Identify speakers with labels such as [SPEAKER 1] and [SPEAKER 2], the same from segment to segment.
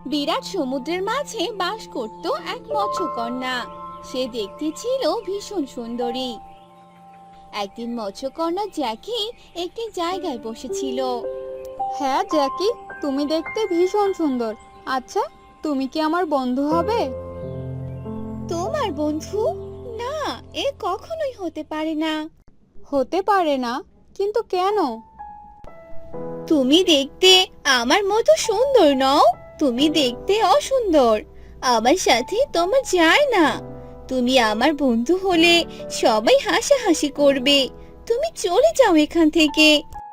[SPEAKER 1] বিরাট সমুদ্রের মাঝে বাস করত এক মৎস্যকন্যা। সে দেখতে ছিল ভীষণ সুন্দরী। একদিন মৎস্যকন্যা জ্যাকি একটি জায়গায় বসেছিল।
[SPEAKER 2] হ্যাঁ জ্যাকি, তুমি দেখতে ভীষণ সুন্দর। আচ্ছা, তুমি কি আমার বন্ধু হবে?
[SPEAKER 1] তোমার বন্ধু? না, এ কখনোই হতে পারে না।
[SPEAKER 2] হতে পারে না? কিন্তু কেন?
[SPEAKER 1] তুমি দেখতে আমার মতো সুন্দর নও, তুমি দেখতে অসুন্দর। আমার সাথে তোমার যায় না। তুমি আমার বন্ধু হলে সবাই হাসাহাসি করবে। তুমি চলে যাও এখান থেকে।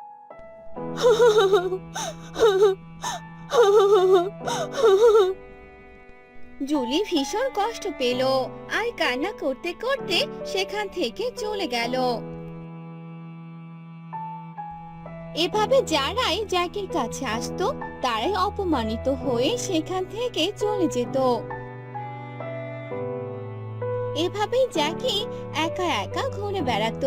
[SPEAKER 1] জুলি ভীষণ কষ্ট পেল আর কান্না করতে করতে সেখান থেকে চলে গেল। এভাবে যারাই জ্যাকির কাছে আসতো তারাই অপমানিত হয়ে সেখান থেকে চলে যেত। এভাবেই জ্যাকি একা একা ঘুরে বেড়াতো।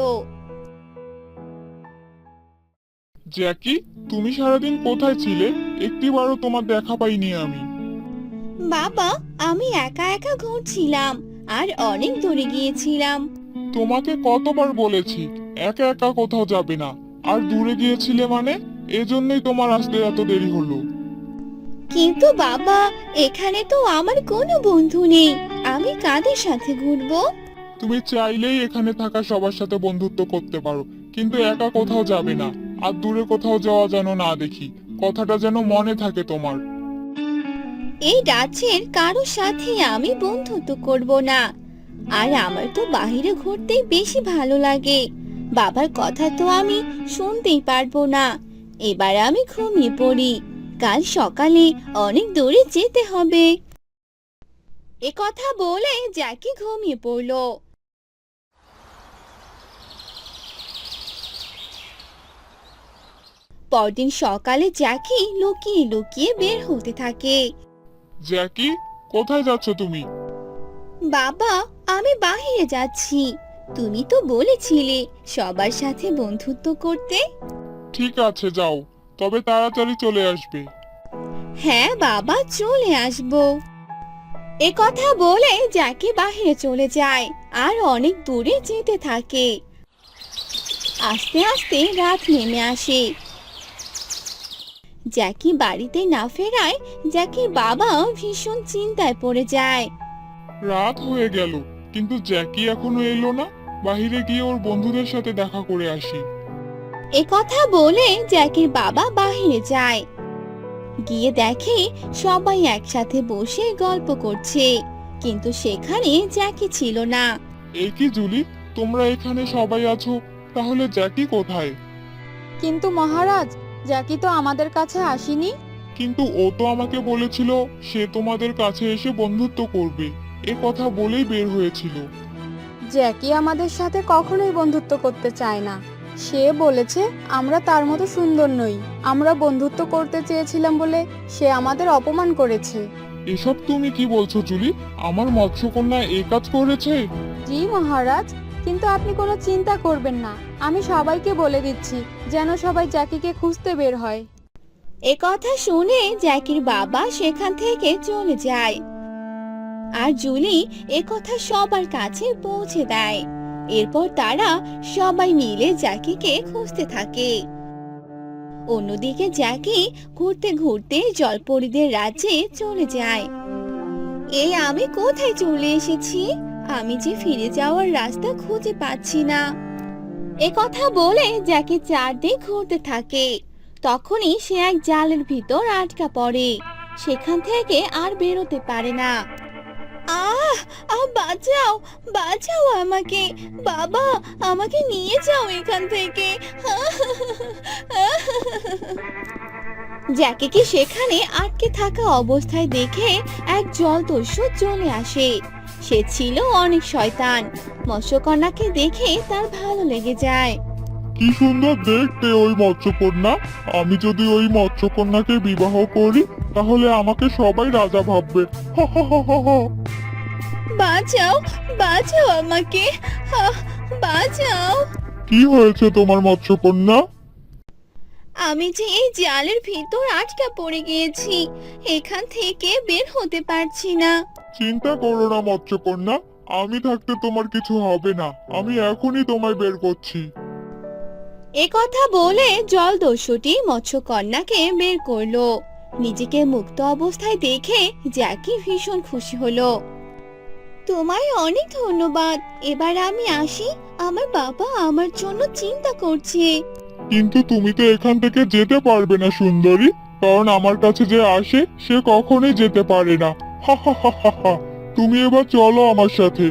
[SPEAKER 3] জ্যাকি, তুমি সারাদিন কোথায় ছিলে? একটিবারও তোমার দেখা পাইনি আমি।
[SPEAKER 1] বাবা, আমি একা একা ঘুরছিলাম আর অনেক দূরে গিয়েছিলাম।
[SPEAKER 3] তোমাকে কতবার বলেছি একা একা কোথাও যাবে না। আর দূরে গিয়েছিলে মানে? এজন্যই তোমার আসতে এত দেরি হলো।
[SPEAKER 1] কিন্তু বাবা, এখানে তো আমার কোনো বন্ধু নেই, আমি কাদের সাথে ঘুরবো?
[SPEAKER 3] তুমি চাইলেই এখানে থাকা সবার সাথে বন্ধুত্ব করতে পারো, কিন্তু একা কোথাও যাবে না। আর দূরে কোথাও যাওয়া যেন না দেখি, কথাটা যেন মনে থাকে তোমার।
[SPEAKER 1] এই রাজ্যের কারোর সাথে আমি বন্ধুত্ব করব না। আর আমার তো বাইরে ঘুরতেই বেশি ভালো লাগে। বাবার কথা তো আমি শুনতেই পারবো না। এবার আমি ঘুমিয়ে পড়ি, কাল সকালে অনেক দূরে যেতে হবে। এ কথা বলে জ্যাকি ঘুমিয়ে পড়লো। পরদিন সকালে জ্যাকি লুকিয়ে লুকিয়ে বের হতে থাকে।
[SPEAKER 3] জ্যাকি, কোথায় যাচ্ছ তুমি?
[SPEAKER 1] বাবা, আমি বাইরে যাচ্ছি। তুমি তো বলেছিলে সবার সাথে বন্ধুত্ব করতে।
[SPEAKER 3] ঠিক আছে, যাও, তবে তাড়াতাড়ি চলে আসবে।
[SPEAKER 1] হ্যাঁ বাবা, চলে আসবো। এ কথা বলে জ্যাকি বাইরে চলে যায় আর অনেক দূরে যেতে থাকে। আস্তে আস্তে রাত নেমে আসে। জ্যাকি বাড়িতে না ফেরায় জ্যাকির বাবা ভীষণ চিন্তায় পড়ে যায়।
[SPEAKER 3] রাত হয়ে গেল, কিন্তু জ্যাকি এখনো এলো না। বাইরে গিয়ে ওর বন্ধুদের সাথে দেখা করে আসি।
[SPEAKER 1] এ কথা বলে জ্যাকির বাবা বাইরে যায়। গিয়ে দেখে সবাই একসাথে বসে গল্প করছে, কিন্তু সেখানে জ্যাকি ছিল না।
[SPEAKER 3] এই কি জুলি, তোমরা এখানে সবাই আছো, তাহলে জ্যাকি কোথায়?
[SPEAKER 2] কিন্তু মহারাজ, জ্যাকি তো আমাদের কাছে আসেনি।
[SPEAKER 3] কিন্তু ও তো আমাকে বলেছিল সে তোমাদের কাছে এসে বন্ধুত্ব করবে। এ কথা বলেই বের হয়েছিল।
[SPEAKER 2] জ্যাকি আমাদের সাথে কখনোই বন্ধুত্ব করতে চায় না। সে বলেছে আমরা তার মতো সুন্দর নই। আমরা বন্ধুত্ব করতে চেয়েছিলাম বলে সে আমাদের অপমান করেছে।
[SPEAKER 3] এসব তুমি কি বলছো জুলি? আমার মৎস্যকন্যা এই কাজ করেছে?
[SPEAKER 2] জি মহারাজ, কিন্তু আপনি কোনো চিন্তা করবেন না। আমি সবাইকে বলে দিচ্ছি যেন সবাই জ্যাকিকে খুঁজতে বের হয়।
[SPEAKER 1] এ কথা শুনে জ্যাকির বাবা সেখান থেকে চলে যায় আর জুলি এ কথা সবার কাছে পৌঁছে দেয়। এরপর তারা সবাই মিলে জ্যাকিকে খুঁজতে থাকে। অন্যদিকে জ্যাকি ঘুরতে ঘুরতে জলপরীদের রাজ্যে চলে যায়। এই আমি কোথায় চলে এসেছি? আমি যে ফিরে যাওয়ার রাস্তা খুঁজে পাচ্ছি না। এ কথা বলে জ্যাকি চারদিক ঘুরতে থাকে। তখনই সে এক জালের ভিতর আটকা পড়ে। সেখান থেকে আর বেরোতে পারে না। আহ আহ বাঁচাও, বাঁচাও আমাকে। বাবা, আমাকে নিয়ে যাও এখান থেকে। জ্যাকিকে সেখানে আটকে থাকা অবস্থায় দেখে এক জলদস্যু চলে আসে। সে ছিল অনেক শয়তান। মৎস্যকন্যাকে দেখে তার ভালো লেগে যায়।
[SPEAKER 3] কি সুন্দর দেখতে ওই মৎস্যকন্যা। আমি যদি ওই মৎস্যকন্যাকে বিবাহ করি তাহলে আমাকে সবাই রাজা ভাববে। হা হা হা হা হা।
[SPEAKER 1] বাঁচাও, বাঁচাও আমাকে। বাঁচাও।
[SPEAKER 3] কি হয়েছে তোমার মৎস্যকন্যা?
[SPEAKER 1] আমি যে এই জালের ভিতর আটকা পড়ে গিয়েছি, এখান থেকে বের হতে পারছি না।
[SPEAKER 3] চিন্তা করো না মৎস্যকন্যা, আমি থাকতে তোমার কিছু হবে না। আমি এখনই তোমায় বের করছি।
[SPEAKER 1] এ কথা বলে জলদস্যুটি মৎস্যকন্যাকে বের করলো। নিজেকে মুক্ত অবস্থায় দেখে জ্যাকি ভীষণ খুশি হলো। তোমায় অনেক ধন্যবাদ। এবার আমি আসি, আমার বাবা আমার জন্য চিন্তা করছে।
[SPEAKER 3] কিন্তু তুমি তো এখান থেকে যেতে পারবে না সুন্দরী, কারণ আমার কাছে যে আসে সে কখনোই যেতে পারে না। হা হা হা হা হা। তুমি এবার চলো আমার সাথে।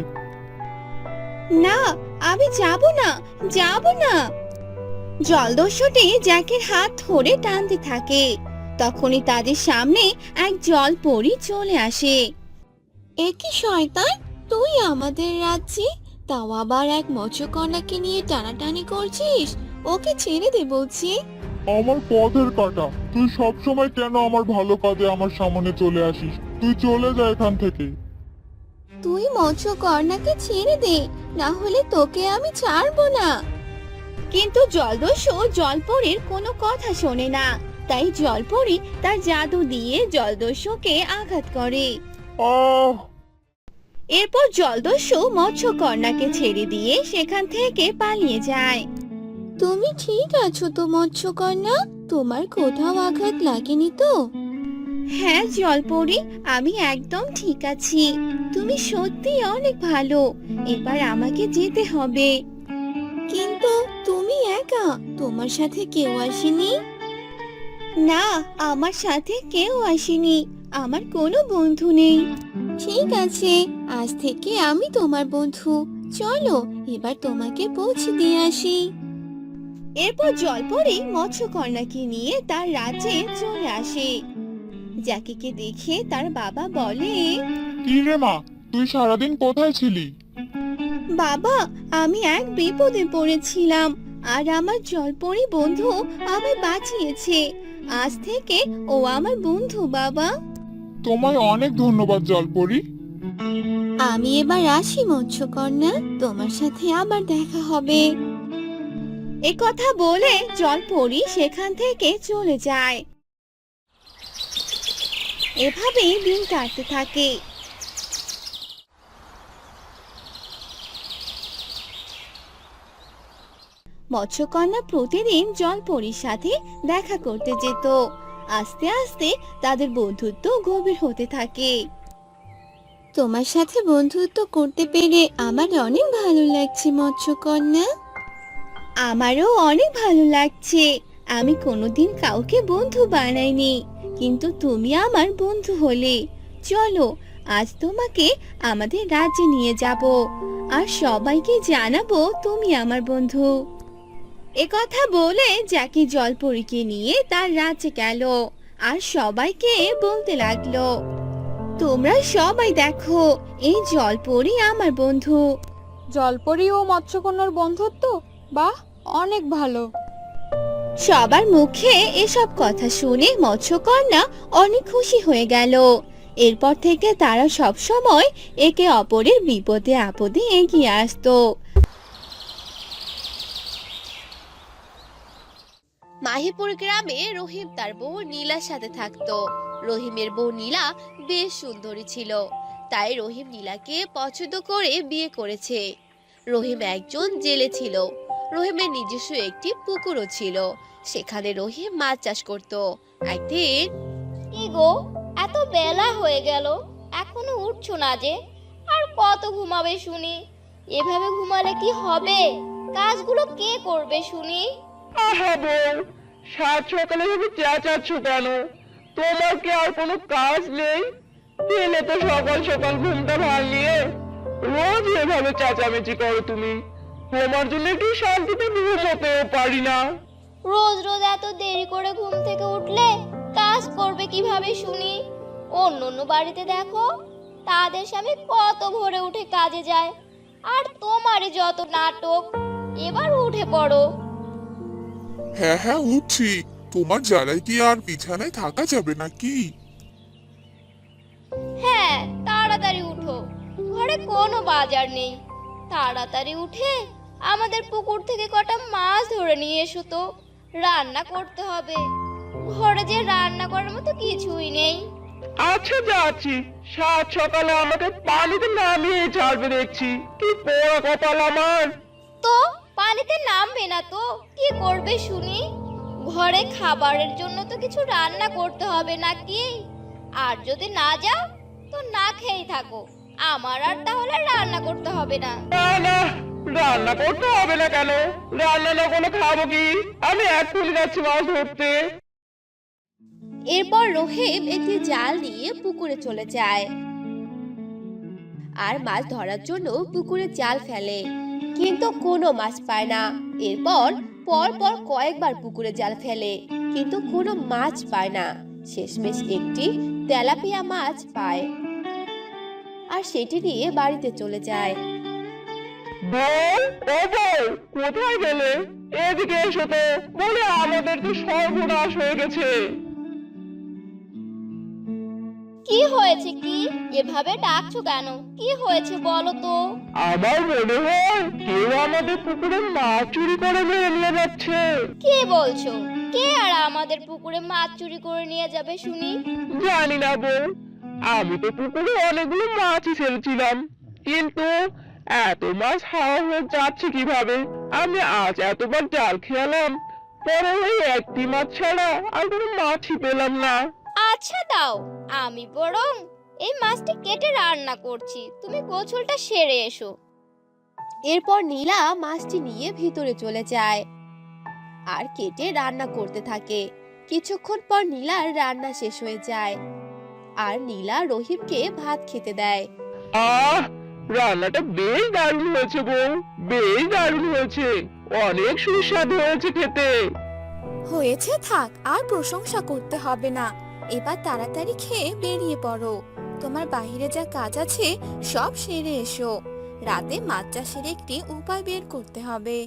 [SPEAKER 1] না, আমি যাব না, যাব না। জলদস্যুটি জ্যাকের হাত ধরে টানতে থাকে। তখনই তাদের সামনে এক জলপরী চলে আসে। এ কি শয়তান, তুই আমাদের রাজ্যে, তাও আবার এক মৎস্যকন্যাকে নিয়ে টানাটানি করছিস? ওকে ছেড়ে দে বলছি।
[SPEAKER 3] আমার পথের কাঁটা, তুই সব সময় কেন আমার ভালো কাজে আমার সামনে চলে আসিস? তুই চলে যা এখান থেকে।
[SPEAKER 1] তুই মৎস্যকন্যাকে ছেড়ে দে, না হলে তোকে আমি ছাড়বো না। কিন্তু জলদস্যু জলপরীর কোনো কথা শোনে না। তাই জলপরী তার জাদু দিয়ে জলদস্যুকে আঘাত করে।
[SPEAKER 3] আহ!
[SPEAKER 1] এরপর জলদস্যু মৎস্যকন্যাকে ছেড়ে দিয়ে সেখান থেকে পালিয়ে যায়। তুমি ঠিক আছো তো মৎস্যকন্যা? তোমার কোথাও আঘাত লাগেনি তো? হ্যাঁ জলপরী, আমি একদম ঠিক আছি। তুমি সত্যি অনেক ভালো। এবার আমাকে যেতে হবে। কিন্তু তুমি একা, তোমার সাথে কেউ আসেনি? না, আমার সাথে কেউ আসেনি। আমার কোনো বন্ধু নেই। ঠিক আছে, আজ থেকে আমি তোমার বন্ধু। চলো এবার তোমাকে পৌঁছে দিয়ে আসি। এরপর জলপরী মৎস্যকন্যাকে নিয়ে তার রাজ্যে চলে আসে। জ্যাকিকে দেখে তার বাবা বলে,
[SPEAKER 3] কি রে মা, তুই সারাদিন কোথায় ছিলি?
[SPEAKER 1] বাবা, আমি এক বিপদে পড়েছিলাম, আর আমার জলপরী বন্ধু আমায় বাঁচিয়েছে। আজ থেকে ও আমার বন্ধু বাবা।
[SPEAKER 3] তোমায় অনেক ধন্যবাদ জলপরি।
[SPEAKER 1] আমি এবার আসি মৎস্যকন্যা, তোমার সাথে আবার দেখা হবে। এ কথা বলে জলপরী সেখান থেকে চলে যায়। এভাবেই দিন কাটতে থাকে। মৎস্যকন্যা প্রতিদিন জলপরীর সাথে দেখা করতে যেত। আস্তে আস্তে তাদের বন্ধুত্ব গভীর হতে থাকে। তোমার সাথে বন্ধুত্ব করতে পেরে আমার অনেক ভালো লাগছে মৎস্যকন্যা। আমারও অনেক ভালো লাগছে। আমি কোনোদিন কাউকে বন্ধু বানাইনি, কিন্তু তুমি আমার বন্ধু হলে। চলো আজ তোমাকে আমাদের রাজ্যে নিয়ে যাব, আর সবাইকে জানাবো তুমি আমার বন্ধু। এ কথা বলে জ্যাকি জলপরীকে নিয়ে তার রাজ্যে গেল, আর সবাইকে বলতে লাগলো, তোমরা সবাই দেখো, এই জলপরী আমার বন্ধু।
[SPEAKER 2] জলপরি ও মৎস্যকন্যার বন্ধুত্ব, বাহ, অনেক ভালো।
[SPEAKER 1] সবার মুখে এসব কথা শুনে মৎস্যকন্যা অনেক খুশি হয়ে গেল। এরপর থেকে তারা সব সময় একে অপরের বিপদে আপদে এগিয়ে আসতো। মাহিপুর গ্রামে রহিম তার বউ নীলার সাথে থাকতো। রহিমের বউ নীলা বেশ সুন্দরী ছিল, তাই রহিম নীলাকে পছন্দ করে বিয়ে করেছে। রহিম একজন জেলে ছিল। রহিমের নিজস্ব একটি পুকুরও ছিল, সেখানে রহিম মাছ চাষ করত। একদিন,
[SPEAKER 4] কি গো, এত বেলা হয়ে গেল, এখনো উঠছো না যে? আর কত ঘুমাবে শুনি? এভাবে ঘুমালে কি হবে? কাজগুলো কে করবে শুনি?
[SPEAKER 5] আহা বউ, সাত সকালে তুমি চেঁচাচ্ছ কেন? তোমার কি আর কোনো কাজ নেই? দিনে তো সকাল সকাল ঘুমটা ভাঙিয়ে রোজ এভাবে চেঁচামেচি করো তুমি। তোমার জন্য একটু শান্তিতে ঘুমোতেও পারি না।
[SPEAKER 4] রোজ রোজ এত দেরি করে ঘুম থেকে উঠলে কাজ করবে কিভাবে শুনি? অন্য অন্য বাড়িতে দেখো, তাদের স্বামী কত ভোরে উঠে কাজে যায়, আর তোমারই যত নাটক। এবার উঠে পড়ো।
[SPEAKER 6] হ্যাঁ হ্যাঁ উঠছি। তোমার জ্বালায় কি আর বিছানায় থাকা যাবে নাকি?
[SPEAKER 4] হ্যাঁ, তাড়াতাড়ি উঠো, ঘরে কোনো বাজার নেই। তাড়াতাড়ি উঠে আমাদের পুকুর থেকে কটা মাছ ধরে নিয়ে এসো তো। রান্না করতে হবে। ঘরে যে রান্না করার মতো কিছুই নেই।
[SPEAKER 5] আচ্ছা যাচ্ছি, সাত সকালে আমাকে পানিতে নামিয়ে ছাড়বে দেখছি। কি পোড়া কপাল আমার।
[SPEAKER 4] তো পানিতে নামবে না তো কি করবে শুনি? ঘরে খাবারের জন্য তো কিছু রান্না করতে হবে নাকি? আর যদি না যাও তো না খেয়েই থাকো, আমার আর তাহলে রান্না করতে হবে না।
[SPEAKER 5] না না, রান্না করতে হবে না কেন? রান্না না করলে খাবো কি? আমি এক্ষুনি যাচ্ছি মাছ ধরতে।
[SPEAKER 1] এরপর রহিম একটি জাল নিয়ে পুকুরে চলে যায় আর মাছ ধরার জন্য পুকুরে জাল ফেলে, কিন্তু কোনো মাছ পায় না। এরপর পর পর কয়েকবার পুকুরে জাল ফেলে, কিন্তু কোনো মাছ পায় না। শেষমেশ একটি তেলাপিয়া মাছ পায় আর সেটি নিয়ে বাড়িতে চলে যায়।
[SPEAKER 5] বউ, ও বউ, কোথায় গেলে? এদিকে এসো তো, বলে আমাদের তো সর্বনাশ হয়ে গেছে।
[SPEAKER 4] কি হয়েছে? কি এভাবে ডাকছো কেন? কি হয়েছে বলো তো?
[SPEAKER 5] আমার মনে হয় কেউ আমাদের পুকুরে মাছ চুরি করে নিয়ে যাচ্ছে।
[SPEAKER 4] কি বলছো? কে আর আমাদের পুকুরে মাছ চুরি করে নিয়ে যাবে শুনি?
[SPEAKER 5] জানি না বউ, আমি তো পুকুরে অনেকগুলো মাছই ছেড়েছিলাম, কিন্তু এত মাছ হাওয়া হয়ে যাচ্ছে কিভাবে? আমি আজ এতবার জাল খেলাম, পরে ওই একটি মাছ ছাড়া আর কোনো মাছই পেলাম না।
[SPEAKER 4] আচ্ছা দাও, আমি বরং এই মাছটি কেটে রান্না করছি, তুমি গোছলটা সেরে এসো।
[SPEAKER 1] এরপর নীলা মাছটি নিয়ে ভিতরে চলে যায় আর কেটে রান্না করতে থাকে। কিছুক্ষণ পর নীলার রান্না শেষ হয়ে যায় আর নীলা রহিমকে ভাত খেতে দেয়।
[SPEAKER 5] আহ, রান্নাটা বেশ দারুণ হয়েছে বউ, বেশ দারুণ হয়েছে, অনেক সুস্বাদু হয়েছে খেতে।
[SPEAKER 7] হয়েছে, থাক আর প্রশংসা করতে হবে না। এবার তাড়াতাড়ি খেয়ে বেরিয়ে পড়ো। তোমার বাইরে যা কাজ আছে সব সেরে এসো। রাতে মাছ চাষের একটি উপায় বের করতে হবে।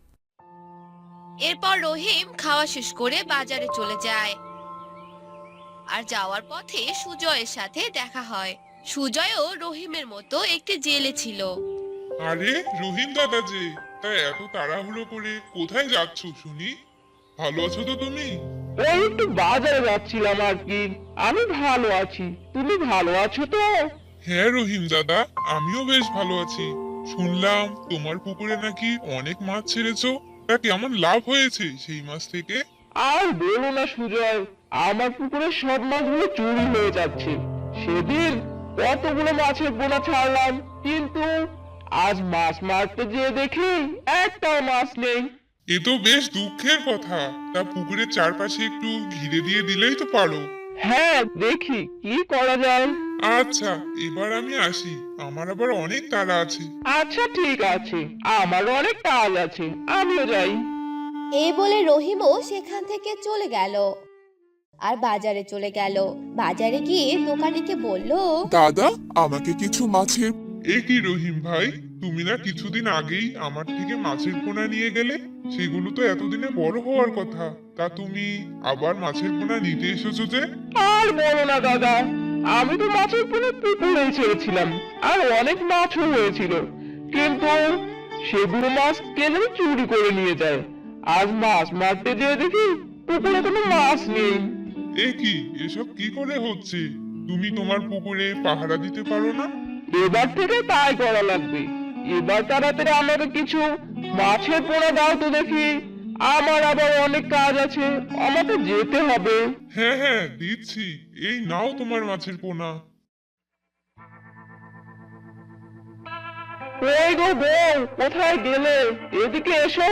[SPEAKER 1] এরপর রহিম খাওয়া শেষ করে বাজারে চলে যায় আর যাওয়ার পথে সুজয়ের সাথে দেখা হয়। সুজয়ও রহিমের মতো একটি জেলে ছিল।
[SPEAKER 3] আরে রহিম দাদা যে, তাই এত তাড়াহুড়ো করে কোথায় যাচ্ছ শুনি? ভালো আছো তো তুমি?
[SPEAKER 5] ওই একটু বাজারে যাচ্ছিলাম আর কি। আমি ভালো আছি, তুমি ভালো আছো তো?
[SPEAKER 3] হ্যাঁ রহিম দাদা, আমিও বেশ ভালো আছি। শুনলাম তোমার পুকুরে নাকি অনেক মাছ ছেড়েছো, তা কেমন লাভ হয়েছে সেই মাছ থেকে?
[SPEAKER 5] আর বলো না সুজয়, আমার পুকুরে সব মাছগুলো চুরি হয়ে যাচ্ছে। সেদিন কতগুলো মাছের পোনা ছাড়লাম, কিন্তু আজ মাছ মারতে যেয়ে দেখি একটাও মাছ নেই।
[SPEAKER 3] এ তো বেশ দুঃখের কথা। তা পুকুরের চারপাশে একটু ঘিরে দিয়ে দিলেই তো পারো।
[SPEAKER 5] হ্যাঁ, দেখি কি করা যায়।
[SPEAKER 3] আচ্ছা, এবার আমি আসি, আমার আবার অনেক তাড়া আছে।
[SPEAKER 5] আচ্ছা ঠিক আছে, আমারও অনেক কাজ আছে, আমিও যাই।
[SPEAKER 1] এই বলে রহিমও সেখান থেকে চলে গেল আর বাজারে চলে গেল। বাজারে গিয়ে দোকানিকে বলল,
[SPEAKER 6] দাদা, আমাকে কিছু মাছের
[SPEAKER 3] এ কি রহিম ভাই, তুমি না কিছুদিন আগেই আমার থেকে মাছের পোনা নিয়ে গেলে? সেগুলো তো এতদিনে বড় হওয়ার কথা, তা তুমি আবার মাছের পোনা নিতে এসেছো যে?
[SPEAKER 5] আর বলো না দাদা, আমি তো মাছের পোনা পুকুরেই ছেড়েছিলাম, আর অনেক মাছও হয়েছিল, কিন্তু সেগুলো মাছ কে যেন চুরি করে নিয়ে যায়। আজ মাছ মারতে যেয়ে দেখি পুকুরে কোনো মাছ নেই।
[SPEAKER 3] এ কি, এসব কি করে হচ্ছে? তুমি তোমার পুকুরে পাহারা দিতে পারো না?
[SPEAKER 5] এবার থেকে তাই করা লাগবে। এবার তাড়াতাড়ি আমাকে কিছু মাছের পোনা দাও তো দেখি, আমার আবার অনেক কাজ আছে, আমাকে যেতে হবে।
[SPEAKER 3] হ্যাঁ হ্যাঁ, দিচ্ছি, এই নাও তোমার মাছের পোনা।
[SPEAKER 5] ওই গো বউ, কোথায় গেলে? এদিকে এসো।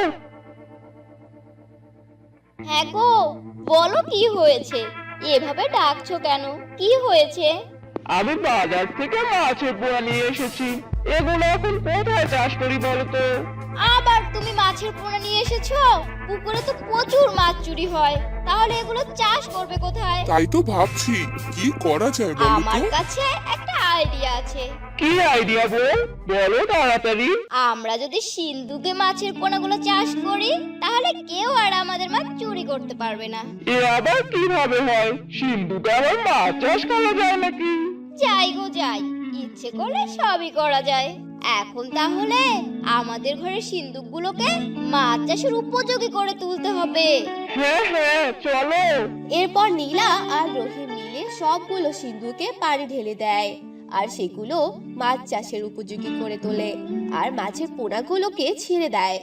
[SPEAKER 4] হ্যাঁ গো, বলো কি হয়েছে? এভাবে ডাকছো কেন? কি হয়েছে?
[SPEAKER 5] আমি বাজার থেকে মাছের পোনা নিয়ে এসেছি, এগুলো এখন কোথায় চাষ করি বলো তো?
[SPEAKER 4] আবার তুমি মাছের পোনা নিয়ে এসেছো? পুকুরে তো প্রচুর মাছ চুরি হয়, তাহলে এগুলো চাষ করবে কোথায়?
[SPEAKER 6] তাই তো ভাবছি কি করা যায় বলো
[SPEAKER 4] আমার
[SPEAKER 6] তো।
[SPEAKER 4] কাছে একটা আইডিয়া আছে।
[SPEAKER 5] কি আইডিয়া বউ, বলো তাড়াতাড়ি।
[SPEAKER 4] আমরা যদি সিন্ধুকে মাছের পোনাগুলো চাষ করি, তাহলে কেউ আর আমাদের মাছ চুরি করতে পারবে না।
[SPEAKER 5] এ আবার কিভাবে হয়? সিন্ধুকে আবার মাছ চাষ করা যায় নাকি?
[SPEAKER 4] যাই গো যাই, ইচ্ছে করলে সবই করা যায়। এখন তাহলে আমাদের ঘরের সিন্দুকগুলোকে মাছ চাষের উপযোগী করে তুলতে হবে।
[SPEAKER 5] হ্যাঁ হ্যাঁ চলো।
[SPEAKER 1] এরপর নীলা আর রহিম মিলে সবগুলো সিন্ধুকে পানি ঢেলে দেয় আর সেগুলো মাছ চাষের উপযোগী করে তোলে আর মাছের পোনাগুলোকে ছেড়ে দেয়।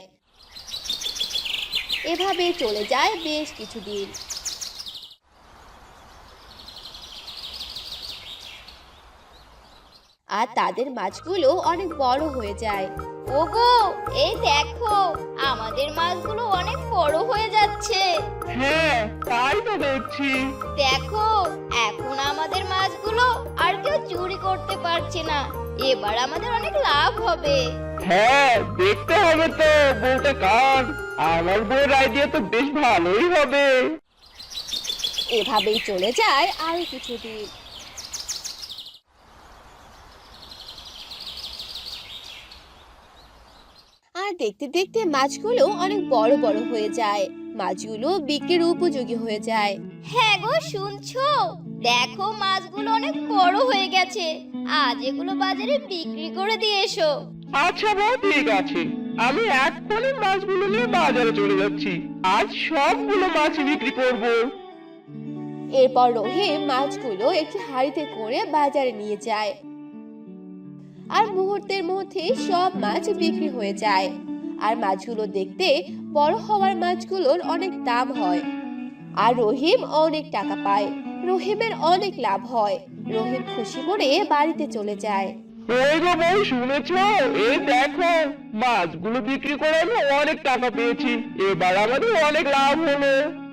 [SPEAKER 1] এভাবে চলে যায় বেশ কিছুদিন। আর তাদের মাছগুলো অনেক বড় হয়ে যায়।
[SPEAKER 4] ওগো, এই দেখো আমাদের মাছগুলো অনেক বড় হয়ে যাচ্ছে।
[SPEAKER 5] হ্যাঁ তাই তো দেখছি।
[SPEAKER 4] দেখো এখন আমাদের মাছগুলো আর কেউ চুরি করতে পারছে না। এবার আমাদের অনেক লাভ হবে।
[SPEAKER 5] হ্যাঁ দেখতে হবে তো বউটা কার। আমার বউয়ের আইডিয়া তো বেশ ভালোই হবে।
[SPEAKER 1] এভাবেই চলে যায় আরো কিছুদিন। আর দেখতে দেখতে মাছগুলো অনেক বড় বড় হয়ে যায়, মাছগুলো বিক্রির উপযোগী হয়ে যায়।
[SPEAKER 4] হ্যাঁ গো, শুনছো? দেখো মাছগুলো অনেক বড় হয়ে গেছে। আজ এগুলো বাজারে বিক্রি করে দিয়ে এসো।
[SPEAKER 5] আচ্ছা বউ ঠিক আছে, আমি এক্ষুনি মাছগুলো নিয়ে বাজারে চলে যাচ্ছি। আজ সবগুলো মাছ বিক্রি করব।
[SPEAKER 1] এরপর রহিম মাছগুলো একটি হাঁড়িতে করে বাজারে নিয়ে যায় আর মুহূর্তের মধ্যে সব মাছ বিক্রি হয়ে যায়। আর মাছগুলো দেখতে বড় হওয়ার মাছগুলোর অনেক দাম হয় আর রহিম অনেক টাকা পায়। রহিমের অনেক লাভ হয়। রহিম খুশি মনে বাড়িতে চলে যায়।
[SPEAKER 5] ওই গো বউ, শুনেছো? এই দেখো মাছগুলো বিক্রি করে আমি অনেক টাকা পেয়েছি। এবার আমাদের অনেক লাভ হলো।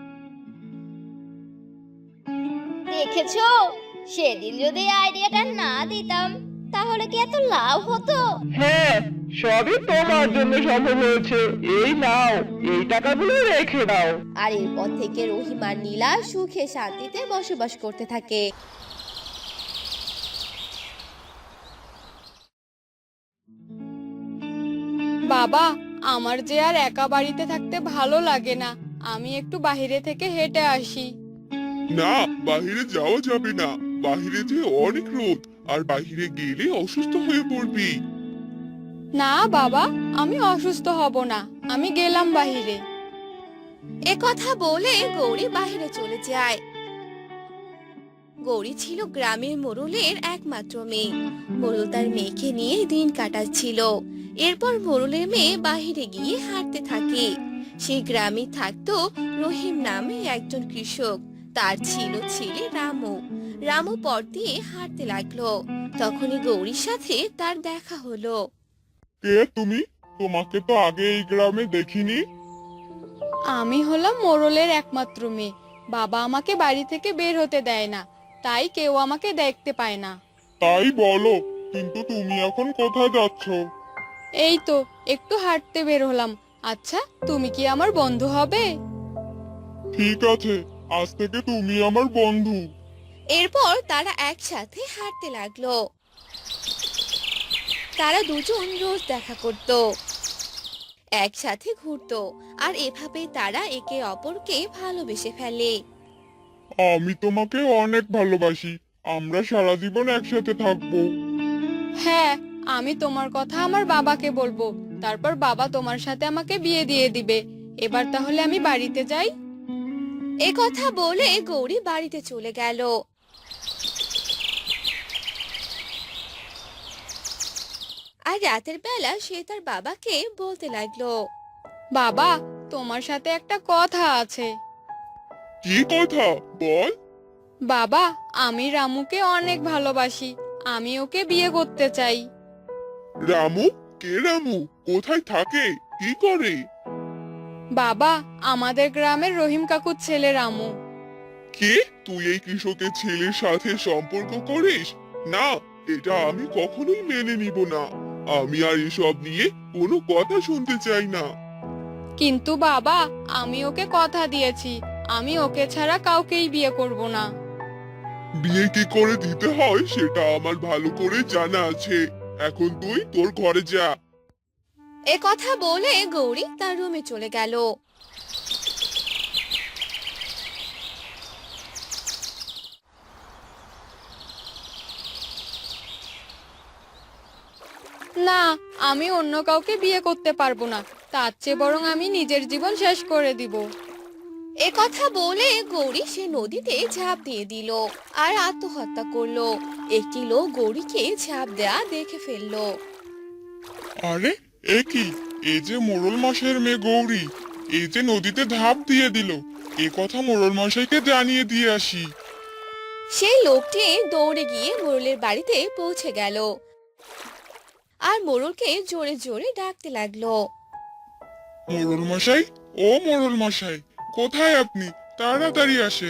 [SPEAKER 4] দেখেছো, সেদিন যদি এই আইডিয়াটা না দিতাম তাহলে কি এত লাভ হতো?
[SPEAKER 5] হ্যাঁ সবই তোমার জন্য সম্ভব হয়েছে। এই নাও, এই টাকাগুলো রেখে দাও।
[SPEAKER 1] আর এরপর থেকে রহিম আর নীলা সুখে শান্তিতে বসবাস করতে থাকে।
[SPEAKER 2] বাবা, আমার যে আর একা বাড়িতে থাকতে ভালো লাগে না, আমি একটু বাইরে থেকে হেঁটে আসি।
[SPEAKER 6] না, বাহিরে যাওয়া যাবে না। বাহিরে যে অনেক রোদ, আর বাহিরে গেলে অসুস্থ হয়ে পড়বি।
[SPEAKER 2] না বাবা, আমি অসুস্থ হব না, আমি গেলাম বাইরে।
[SPEAKER 1] এ কথা বলে গৌরী বাইরে চলে যায়। গৌরী ছিল গ্রামের মোড়লের একমাত্র মেয়ে। মোড়ল তার মেয়েকে নিয়ে দিন কাটাচ্ছিল। এরপর মোড়লের মেয়ে বাহিরে গিয়ে হাঁটতে থাকে। সেই গ্রামে থাকতো রহিম নামে একজন কৃষক। তার ছিল ছেলে রামু। রামু পথ দিয়ে হাঁটতে লাগলো। তখনই গৌরীর সাথে তার দেখা হলো।
[SPEAKER 3] কে তুমি? তোমাকে তো আগে এই গ্রামে দেখিনি।
[SPEAKER 2] আমি হলাম মোড়লের একমাত্র মেয়ে। বাবা আমাকে বাড়ি থেকে বের হতে দেয় না, তাই কেউ আমাকে দেখতে পায় না।
[SPEAKER 3] তাই বলো, কিন্তু তুমি এখন কোথায় যাচ্ছ?
[SPEAKER 2] এই তো একটু হাঁটতে বের হলাম। আচ্ছা, তুমি কি আমার বন্ধু হবে?
[SPEAKER 3] ঠিক আছে, আজ থেকে তুমি আমার বন্ধু।
[SPEAKER 1] এরপর তারা একসাথে হাঁটতে লাগলো। তারা দুজন রোজ দেখা করত, একসাথে ঘুরতো, আর এভাবে তারা একে অপরকে ভালোবেসে ফেলে।
[SPEAKER 3] আমি তোমাকে অনেক ভালোবাসি। আমরা সারা জীবন একসাথে থাকবো।
[SPEAKER 2] হ্যাঁ, আমি তোমার কথা আমার বাবাকে বলবো। তারপর বাবা তোমার সাথে আমাকে বিয়ে দিয়ে দিবে। এবার তাহলে আমি বাড়িতে যাই।
[SPEAKER 1] এ কথা বলে গৌরী বাড়িতে চলে গেল। আর রাতের বেলা সে তার বাবাকে বলতে লাগলো,
[SPEAKER 2] বাবা, তোমার সাথে একটা কথা আছে।
[SPEAKER 6] কি কথা বল?
[SPEAKER 2] বাবা, আমি রামুকে অনেক ভালোবাসি। আমি ওকে বিয়ে করতে চাই।
[SPEAKER 6] রামু? কে রামু? কোথায় থাকে? কি করে?
[SPEAKER 2] বাবা, আমাদের গ্রামের রহিম কাকুর ছেলে রামু।
[SPEAKER 6] কে? তুই এই কৃষকের ছেলের সাথে সম্পর্ক করিস? না, এটা আমি কখনোই মেনে নিব না। আমি আর এসব নিয়ে কোনো কথা শুনতে চাই না।
[SPEAKER 2] কিন্তু বাবা, আমি ওকে কথা দিয়েছি, আমি ওকে ছাড়া কাউকেই বিয়ে করব না।
[SPEAKER 6] বিয়ে কি করে দিতে হয় সেটা আমার ভালো করে জানা আছে। এখন তুই তোর ঘরে যা।
[SPEAKER 1] এ কথা বলে গৌরী তার রুমে চলে গেল।
[SPEAKER 2] না, আমি অন্য কাউকে বিয়ে করতে পারবো না। তার চেয়ে বরং আমি নিজের জীবন শেষ করে দিব।
[SPEAKER 1] এ কথা বলে গৌরী সে নদীতে ঝাঁপ দিয়ে দিল আর আত্মহত্যা করলো। একটি লোক গৌরীকে ঝাঁপ দেয়া দেখে ফেললো।
[SPEAKER 3] আরে এ কি, এই যে মোড়ল মশাইয়ের মেয়ে গৌরী, এই যে নদীতে ঝাঁপ দিয়ে দিল, এ কথা মোড়ল মশাইকে জানিয়ে দিয়ে আসি।
[SPEAKER 1] সেই লোকটি দৌড়ে গিয়ে মোড়লের বাড়িতে পৌঁছে গেল আর মোড়লকে জোরে জোরে ডাকতে লাগলো।
[SPEAKER 3] মোড়ল মশাই, ও মোড়ল মশাই, কোথায় আপনি? তাড়াতাড়ি আসেন।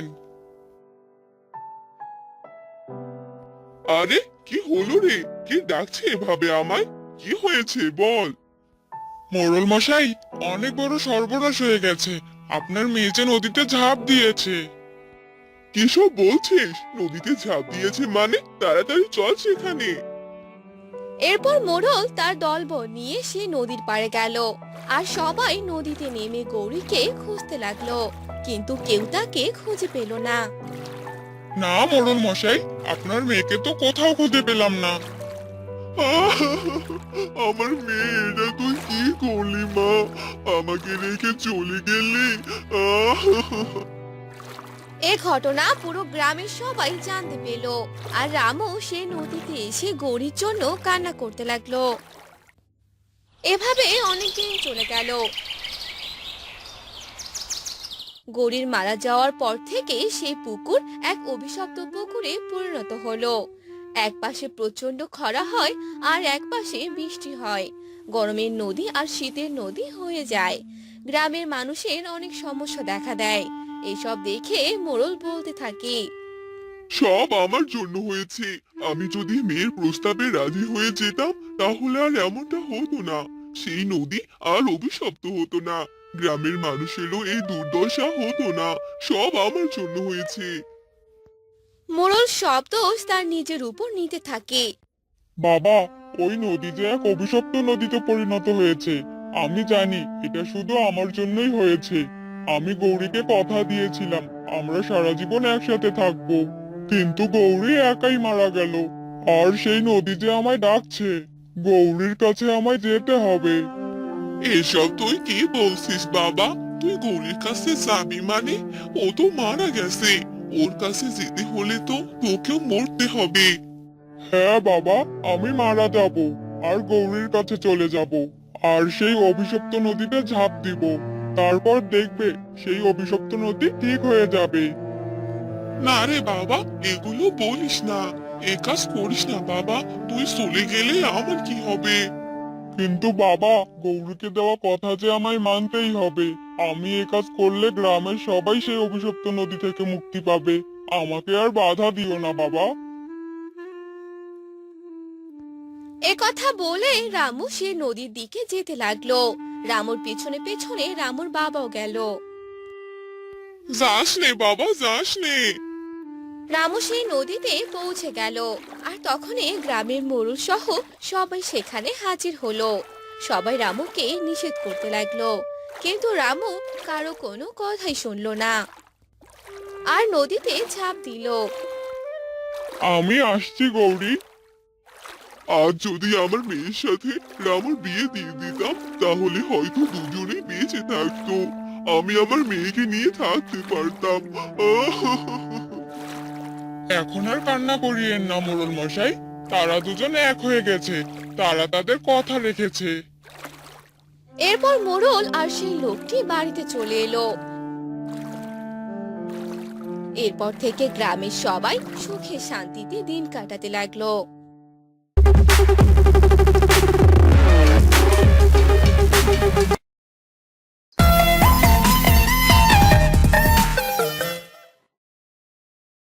[SPEAKER 6] আরে কি হলো রে? কে ডাকছে এভাবে আমায়? কি হয়েছে বল?
[SPEAKER 3] মোড়ল মশাই, অনেক বড় সর্বনাশ হয়ে গেছে। আপনার মেয়ে যে নদীতে ঝাঁপ দিয়েছে।
[SPEAKER 6] কিসব বলছিস? নদীতে ঝাঁপ দিয়েছে মানে? তাড়াতাড়ি চল সেখানে।
[SPEAKER 1] এরপর মোড়ল তার দলবল নিয়ে সে নদীর পাড়ে গেল আর সবাই নদীতে নেমে গৌরীকে খুঁজতে লাগলো, কিন্তু কেউ তাকে খুঁজে পেল না।
[SPEAKER 3] না মোড়ল মশাই, আপনার মেয়েকে তো কোথাও খুঁজে পেলাম না।
[SPEAKER 6] আমার মেয়ে, এটা তুই কি করলি মা? আমাকে রেখে চলে গেলি।
[SPEAKER 1] এ ঘটনা পুরো গ্রামের সবাই জানতে পেল আর রামু সে নদীতে এসে গৌরীর জন্য কান্না করতে লাগলো। এভাবে অনেকদিন চলে গেল। গৌরীর মারা যাওয়ার পর থেকে সেই পুকুর এক অভিশপ্ত পুকুরে পরিণত হলো। এক পাশে প্রচন্ড খরা হয় আর এক পাশে বৃষ্টি হয়। গরমের নদী আর শীতের নদী হয়ে যায়। গ্রামের মানুষের অনেক সমস্যা দেখা দেয়। এসব দেখে মোড়ল বলতে থাকে,
[SPEAKER 6] সব আমার জন্য হয়েছে। আমি যদি মেয়ের প্রস্তাবে রাজি হয়ে যেতাম তাহলে আর এমনটা হতো না। সেই নদী আর অভিশপ্ত হতো না। গ্রামের মানুষেরও এই দুর্দশা হতো না। সব আমার জন্য হয়েছে।
[SPEAKER 1] মোড়ল সব দোষ তার নিজের উপর নিতে থাকে।
[SPEAKER 3] বাবা, ওই নদী যে এক অভিশপ্ত নদীতে পরিণত হয়েছে। আমি জানি এটা শুধু আমার জন্যই হয়েছে। আমি গৌরীকে কথা দিয়েছিলাম আমরা সারা জীবন একসাথে থাকবো, কিন্তু গৌরী একাই মারা গেল। আর সেই নদী যে আমায় ডাকছে, গৌরীর কাছে আমায় যেতে হবে।
[SPEAKER 6] এসব তুই কি বলছিস বাবা? তুই গৌরীর কাছে যাবি মানে? ও তো মারা গেছে। ওর কাছে যেতে হলে তো তোকেও মরতে হবে।
[SPEAKER 3] হ্যাঁ বাবা, আমি মারা যাব আর গৌরীর কাছে চলে যাব আর সেই অভিশপ্ত নদীতে ঝাঁপ দিব। তারপর দেখবে সেই অভিশপ্ত নদী ঠিক হয়ে যাবে।
[SPEAKER 6] না রে বাবা, এগুলো বলিস না। এ কাজ করিস না বাবা। তুই চলে গেলে আমার কি হবে?
[SPEAKER 3] কিন্তু বাবা, গৌরীকে দেওয়া কথা যে আমায় মানতেই হবে। আমি এ কাজ করলে গ্রামের সবাই সেই অভিশপ্ত নদী থেকে মুক্তি পাবে। আমাকে আর বাধা দিও না বাবা।
[SPEAKER 1] এ কথা বলে রামু সে নদীর দিকে যেতে লাগলো। রামুর পেছনে পেছনে রামুর বাবাও গেল।
[SPEAKER 6] যাস নে বাবা, যাস নে।
[SPEAKER 1] রামু সেই নদীতে পৌঁছে গেল আর তখনই গ্রামের মোড়ল সহ সবাই সেখানে হাজির হলো। সবাই রামুকে নিষেধ করতে লাগলো, কিন্তু রামু কারো কোনো কথাই শুনলো না আর নদীতে ঝাঁপ দিল।
[SPEAKER 3] আমি আসছি গৌরী।
[SPEAKER 6] আজ যদি আমার মেয়ের সাথে রামুর বিয়ে দিয়ে দিতাম তাহলে হয়তো দুজনেই বেঁচে থাকতো। আমি আমার মেয়েকে নিয়ে থাকতে পারতাম।
[SPEAKER 3] এখন আর কান্না করিয়েন না মোড়ল মশাই। তারা দুজন এক হয়ে গেছে, তারা তাদের কথা রেখেছে।
[SPEAKER 1] এরপর মোড়ল আর সেই লোকটি বাড়িতে চলে এলো। এরপর থেকে গ্রামের সবাই সুখে শান্তিতে দিন কাটাতে লাগলো।